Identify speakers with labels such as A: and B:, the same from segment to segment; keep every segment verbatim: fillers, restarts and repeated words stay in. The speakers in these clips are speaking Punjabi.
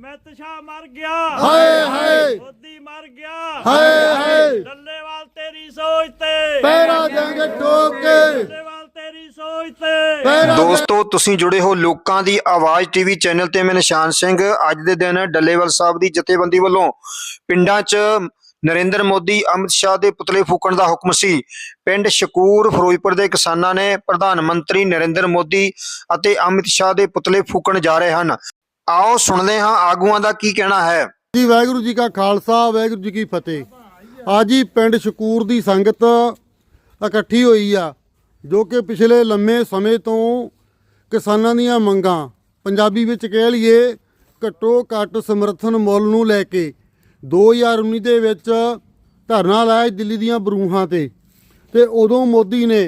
A: अमित शाह मर गया,
B: हाय हाय
A: मोदी मर गया,
B: हाय हाय
A: डल्लेवाल तेरी सोच ते
B: पैरा देंगे ठोक के,
A: डल्लेवाल तेरी सोच ते।
C: ਦੋਸਤੋ ਤੁਸੀਂ ਜੁੜੇ ਹੋ ਲੋਕਾਂ ਦੀ ਆਵਾਜ਼ ਟੀਵੀ ਚੈਨਲ ਤੇ। ਮੈਂ ਨਿਸ਼ਾਨ ਸਿੰਘ। ਅੱਜ ਦੇ ਦਿਨ ਡੱਲੇਵਾਲ ਸਾਹਿਬ ਦੀ ਜਥੇਬੰਦੀ ਵੱਲੋਂ ਪਿੰਡਾਂ 'ਚ ਨਰਿੰਦਰ ਮੋਦੀ ਅਮਿਤ ਸ਼ਾਹ ਦੇ ਪੁਤਲੇ ਫੂਕਣ ਦਾ ਹੁਕਮ ਸੀ। ਪਿੰਡ ਸ਼ਕੂਰ ਫਿਰੋਜ਼ਪੁਰ ਦੇ ਕਿਸਾਨਾਂ ਨੇ ਪ੍ਰਧਾਨ ਮੰਤਰੀ ਨਰਿੰਦਰ ਮੋਦੀ ਅਤੇ ਅਮਿਤ ਸ਼ਾਹ ਦੇ ਪੁਤਲੇ ਫੂਕਣ ਜਾ ਰਹੇ ਹਨ। ਆਓ ਸੁਣਦੇ ਹਾਂ ਆਗੂਆਂ ਦਾ ਕੀ ਕਹਿਣਾ ਹੈ।
B: ਜੀ ਵਾਹਿਗੁਰੂ ਜੀ ਕਾ ਖਾਲਸਾ, ਵਾਹਿਗੁਰੂ ਜੀ ਕੀ ਫਤਿਹ। ਅੱਜ ਹੀ ਪਿੰਡ ਸ਼ਕੂਰ ਦੀ ਸੰਗਤ ਇਕੱਠੀ ਹੋਈ ਆ, ਜੋ ਕਿ ਪਿਛਲੇ ਲੰਮੇ ਸਮੇਂ ਤੋਂ ਕਿਸਾਨਾਂ ਦੀਆਂ ਮੰਗਾਂ, ਪੰਜਾਬੀ ਵਿੱਚ ਕਹਿ ਲਈਏ ਘੱਟੋ ਘੱਟ ਸਮਰਥਨ ਮੁੱਲ ਨੂੰ ਲੈ ਕੇ ਦੋ ਹਜ਼ਾਰ ਉੱਨੀ ਦੇ ਵਿੱਚ ਧਰਨਾ ਲਾਇਆ ਦਿੱਲੀ ਦੀਆਂ ਬਰੂਹਾਂ ਤੇ ਤੇ ਉਦੋਂ ਮੋਦੀ ਨੇ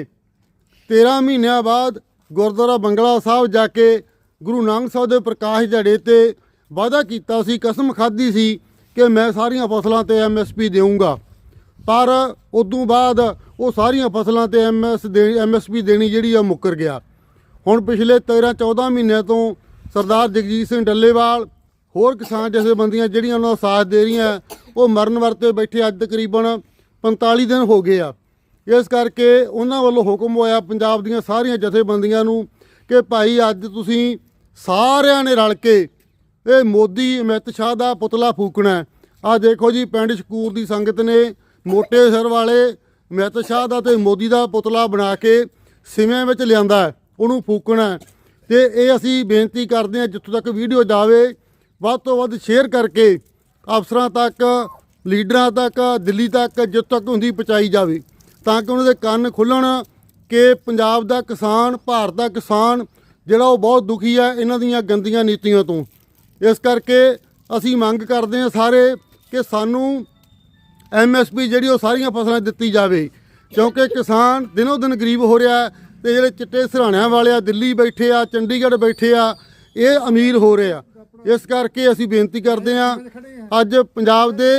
B: ਤੇਰਾਂ ਮਹੀਨਿਆਂ ਬਾਅਦ ਗੁਰਦੁਆਰਾ ਬੰਗਲਾ ਸਾਹਿਬ ਜਾ ਕੇ ਗੁਰੂ ਨਾਨਕ ਸਾਹਿਬ ਦੇ ਪ੍ਰਕਾਸ਼ ਦਿਹਾੜੇ ਤੇ ਵਾਅਦਾ ਕੀਤਾ ਸੀ, ਕਸਮ ਖਾਧੀ ਸੀ ਕਿ ਮੈਂ ਸਾਰੀਆਂ ਫਸਲਾਂ ਤੇ ਐਮ ਐਸ ਪੀ ਦੇਵਾਂਗਾ। ਪਰ ਉਦੋਂ ਬਾਅਦ ਉਹ ਸਾਰੀਆਂ ਫਸਲਾਂ ਤੇ ਐਮ ਐਸ ਦੇ ਐਮ ਐਸ ਪੀ ਦੇਣੀ ਜਿਹੜੀ ਆ ਮੁੱਕਰ ਗਿਆ। ਹੁਣ ਪਿਛਲੇ ਤੇਰਾਂ ਚੌਦਾਂ ਮਹੀਨਿਆਂ ਤੋਂ ਸਰਦਾਰ ਜਗਜੀਤ ਸਿੰਘ ਡੱਲੇਵਾਲ ਹੋਰ ਕਿਸਾਨ ਜਥੇਬੰਦੀਆਂ ਜਿਹੜੀਆਂ ਉਹਨਾਂ ਦਾ ਸਾਥ ਦੇ ਰਹੀਆਂ, ਉਹ ਮਰਨ ਵਰਤੇ ਬੈਠੇ ਅੱਜ ਤਕਰੀਬਨ ਪੰਤਾਲੀ ਦਿਨ ਹੋ ਗਏ ਆ। ਇਸ ਕਰਕੇ ਉਹਨਾਂ ਵੱਲੋਂ ਹੁਕਮ ਹੋਇਆ ਪੰਜਾਬ ਦੀਆਂ ਸਾਰੀਆਂ ਜਥੇਬੰਦੀਆਂ ਨੂੰ ਕਿ ਭਾਈ ਅੱਜ ਤੁਸੀਂ ਸਾਰਿਆਂ ਨੇ ਰਲ ਕੇ ਇਹ ਮੋਦੀ ਅਮਿਤ ਸ਼ਾਹ ਦਾ ਪੁਤਲਾ ਫੂਕਣਾ। ਆਹ ਦੇਖੋ ਜੀ, ਪਿੰਡ ਸ਼ਕੂਰ ਦੀ ਸੰਗਤ ਨੇ ਮੋਟੇ ਸਿਰ ਵਾਲੇ ਅਮਿਤ ਸ਼ਾਹ ਦਾ ਤੇ ਮੋਦੀ ਦਾ ਪੁਤਲਾ ਬਣਾ ਕੇ ਸਿਵਿਆਂ ਵਿੱਚ ਲਿਆਂਦਾ, ਉਹਨੂੰ ਫੂਕਣਾ। ਤੇ ਇਹ ਅਸੀਂ ਬੇਨਤੀ ਕਰਦੇ ਹਾਂ ਜਿੱਥੋਂ ਤੱਕ ਵੀਡੀਓ ਜਾਵੇ ਵੱਧ ਤੋਂ ਵੱਧ ਸ਼ੇਅਰ ਕਰਕੇ ਅਫਸਰਾਂ ਤੱਕ, ਲੀਡਰਾਂ ਤੱਕ, ਦਿੱਲੀ ਤੱਕ ਜਿੱਥੋਂ ਤੱਕ ਹੁੰਦੀ ਪਹੁੰਚਾਈ ਜਾਵੇ, ਤਾਂ ਕਿ ਉਹਨਾਂ ਦੇ ਕੰਨ ਖੁੱਲ੍ਹਣ ਕਿ ਪੰਜਾਬ ਦਾ ਕਿਸਾਨ, ਭਾਰਤ ਦਾ ਕਿਸਾਨ ਜਿਹੜਾ ਉਹ ਬਹੁਤ ਦੁਖੀ ਹੈ ਇਹਨਾਂ ਦੀਆਂ ਗੰਦੀਆਂ ਨੀਤੀਆਂ ਤੋਂ। ਇਸ ਕਰਕੇ ਅਸੀਂ ਮੰਗ ਕਰਦੇ ਹਾਂ ਸਾਰੇ ਕਿ ਸਾਨੂੰ ਐਮ ਐਸ ਪੀ ਜਿਹੜੀ ਉਹ ਸਾਰੀਆਂ ਫਸਲਾਂ ਦਿੱਤੀ ਜਾਵੇ, ਕਿਉਂਕਿ ਕਿਸਾਨ ਦਿਨੋਂ ਦਿਨ ਗਰੀਬ ਹੋ ਰਿਹਾ ਤੇ ਜਿਹੜੇ ਚਿੱਟੇ ਸਿਰਹਾਣਿਆਂ ਵਾਲੇ ਆ, ਦਿੱਲੀ ਬੈਠੇ ਆ, ਚੰਡੀਗੜ੍ਹ ਬੈਠੇ ਆ, ਇਹ ਅਮੀਰ ਹੋ ਰਹੇ ਆ। ਇਸ ਕਰਕੇ ਅਸੀਂ ਬੇਨਤੀ ਕਰਦੇ ਹਾਂ, ਅੱਜ ਪੰਜਾਬ ਦੇ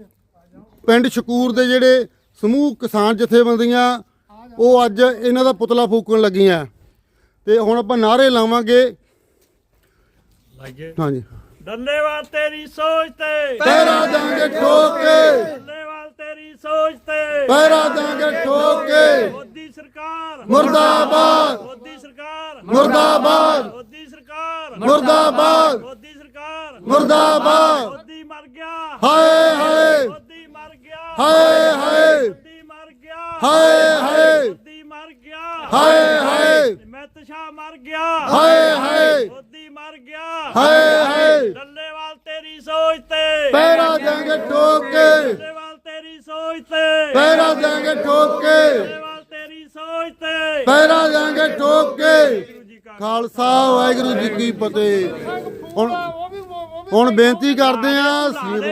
B: ਪਿੰਡ ਸ਼ਕੂਰ ਦੇ ਜਿਹੜੇ ਸਮੂਹ ਕਿਸਾਨ ਜਥੇਬੰਦੀਆਂ ਉਹ ਅੱਜ ਇਹਨਾਂ ਦਾ ਪੁਤਲਾ ਫੂਕਣ ਲੱਗੀਆਂ ਤੇ ਹੁਣ ਆਪਾਂ ਨਾਅਰੇ ਲਾਵਾਂਗੇ। ਹਾਂਜੀ,
A: डल्लेवाल तेरी सोच ते
B: ਪੈਰਾ ਦਾਂਗੇ ਠੋਕ ਕੇ,
A: डल्लेवाल तेरी सोच ते
B: ਪੈਰਾ ਦਾਂਗੇ ਠੋਕ ਕੇ,
A: मोदी सरकार
B: ਮੁਰਦਾਬਾਦ
A: मोदी सरकार
B: ਮੁਰਦਾਬਾਦ
A: मोदी सरकार
B: ਮੁਰਦਾਬਾਦ
A: मोदी सरकार
B: ਮੁਰਦਾਬਾਦ।
A: मोदी मर गया,
B: ਹਾਏ ਹਾਏ
A: मोदी मर गया,
B: ਹਾਏ ਹਾਏ
A: मोदी मर गया,
B: ਹਾਏ ਹਾਏ
A: मोदी मर गया,
B: ਹਾਏ ਹਾਏ
A: अमित शाह मर गया,
B: ਹਾਏ ਹਾਏ
A: मोदी मर गया,
B: ਹਾਏ ਹਾਏ
A: डल्लेवाल तेरी सोच ते
B: ਪੈਰਾ ਦਾਂਗੇ ਠੋਕ ਕੇ,
A: डल्लेवाल तेरी सोच ते
B: ਪੈਰਾ ਦਾਂਗੇ ਠੋਕ ਕੇ,
A: डल्लेवाल तेरी सोच ते।
B: ਪੈਰਾ ਦਾਂਗੇ ਠੋਕ ਕੇ। ਖਾਲਸਾ ਵਾਹਿਗੁਰੂ ਜੀ ਕੀ ਫਤਿਹ। ਹੁਣ ਹੁਣ ਬੇਨਤੀ ਕਰਦੇ ਆ,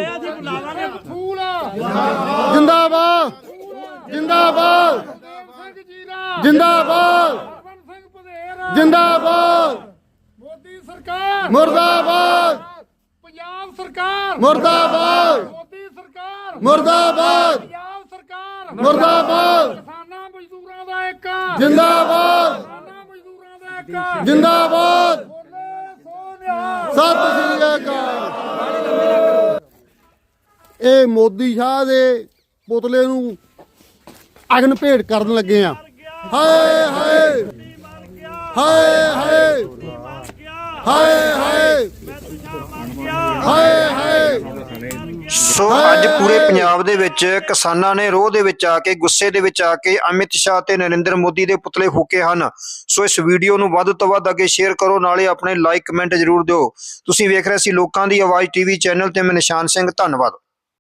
B: ਜਿੰਦਾਬਾਦ ਜਿੰਦਾਬਾਦ ਜਿੰਦਾਬਾਦ ਜਿੰਦਾਬਾਦ,
D: ਮੋਦੀ ਸਰਕਾਰ
B: ਮੁਰਦਾਬਾਦ
D: ਪੰਜਾਬ ਸਰਕਾਰ
B: ਮੁਰਦਾਬਾਦ
D: ਮੋਦੀ ਸਰਕਾਰ
B: ਮੁਰਦਾਬਾਦ
D: ਪੰਜਾਬ ਸਰਕਾਰ
B: ਮੁਰਦਾਬਾਦ
D: ਕਿਸਾਨਾਂ ਮਜ਼ਦੂਰਾਂ ਦਾ ਇੱਕ
B: ਜਿੰਦਾਬਾਦ
D: ਕਿਸਾਨਾਂ ਮਜ਼ਦੂਰਾਂ ਦਾ ਇੱਕ
B: ਜਿੰਦਾਬਾਦ।
D: ਬੋਲੇ ਸੋ ਨਿਹਾਲ।
B: ਸਤਿ ਸ੍ਰੀ ਅਕਾਲ। ਇਹ ਮੋਦੀ ਸ਼ਾਹ ਦੇ ਪੁਤਲੇ ਨੂੰ ਅਗਨ ਭੇਟ ਕਰਨ ਲੱਗੇ ਆ। ਹਾਏ ਹਾਏ ਹਾਏ ਹਾਏ ਹਾਏ ਹਾਏ ਹਾਏ ਹਾਏ।
C: ਸੋ ਅੱਜ ਪੂਰੇ ਪੰਜਾਬ ਦੇ ਵਿੱਚ ਕਿਸਾਨਾਂ ਨੇ ਰੋਹ ਦੇ ਵਿੱਚ ਆ ਕੇ, ਗੁੱਸੇ ਦੇ ਵਿੱਚ ਆ ਕੇ ਅਮਿਤ ਸ਼ਾਹ ਤੇ ਨਰਿੰਦਰ ਮੋਦੀ ਦੇ ਪੁਤਲੇ ਫੂਕੇ ਹਨ। ਸੋ ਇਸ ਵੀਡੀਓ ਨੂੰ ਵੱਧ ਤੋਂ ਵੱਧ ਅੱਗੇ ਸ਼ੇਅਰ ਕਰੋ, ਨਾਲੇ ਆਪਣੇ ਲਾਈਕ ਕਮੈਂਟ ਜ਼ਰੂਰ ਦਿਓ। ਤੁਸੀਂ ਵੇਖ ਰਹੇ ਸੀ ਲੋਕਾਂ ਦੀ ਆਵਾਜ਼ ਟੀਵੀ ਚੈਨਲ ਤੇ। ਮੈਂ ਨਿਸ਼ਾਨ ਸਿੰਘ, ਧੰਨਵਾਦ।